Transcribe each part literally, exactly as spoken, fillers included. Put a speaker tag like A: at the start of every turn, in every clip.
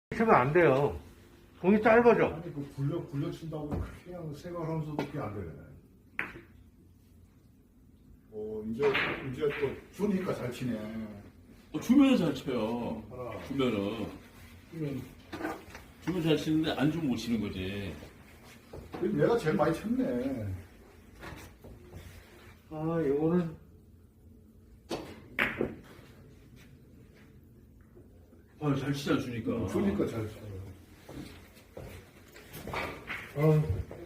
A: 치면 안 돼요. 공이 짧아져.
B: 아니 그 굴려 굴려 친다고 그냥 생활하면서도 그게 안 되네. 어 이제 이제 또 주니까 잘 치네.
C: 어, 주면은 잘 쳐요.
B: 하나.
C: 주면은. 주면 잘 치는데 안 주면 못 치는 거지.
B: 내가 제일 많이 쳤네.
A: 아, 이거는
C: 아, 잘 치잖아, 주니까.
B: 주니까 잘 쳐.
A: 어,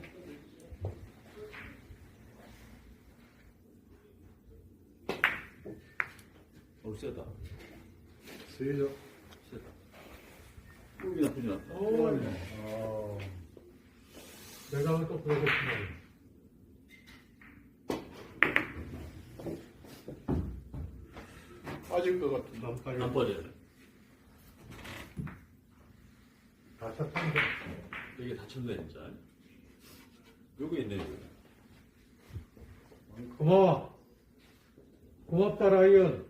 C: 어, 세다.
B: 세죠.
C: 세다. 꿀이 나쁘지 않다.
B: 아,
A: 내가 또 그러겠구나.
B: 빠질 것 같은데.
A: 안 빠져.
C: 안 빠져요.
A: 다 쳤는데.
C: 이게 다쳤네, 진짜. 여기 있네, 여기.
A: 고마워. 고맙다, 라이언.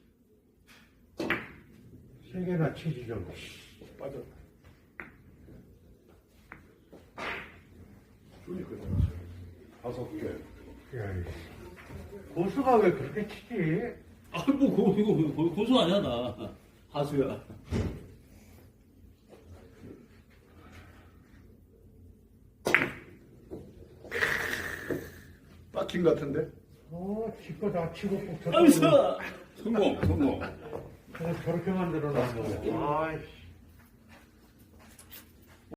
A: 세 개나 치지 좀.
B: 빠졌다. 주니까 잘 쳐. 다섯 개.
A: 야, 이 고수가 왜 그렇게 치지?
C: 아, 뭐, 고, 이거, 고, 고수 아니야, 나. 하수야.
B: 빠친 것 같은데?
A: 어, 지거 다 치고 꼭
C: 아이스!
A: 쳤다.
C: 성공, 성공.
A: 저렇게 만들어 놨어. 아이씨.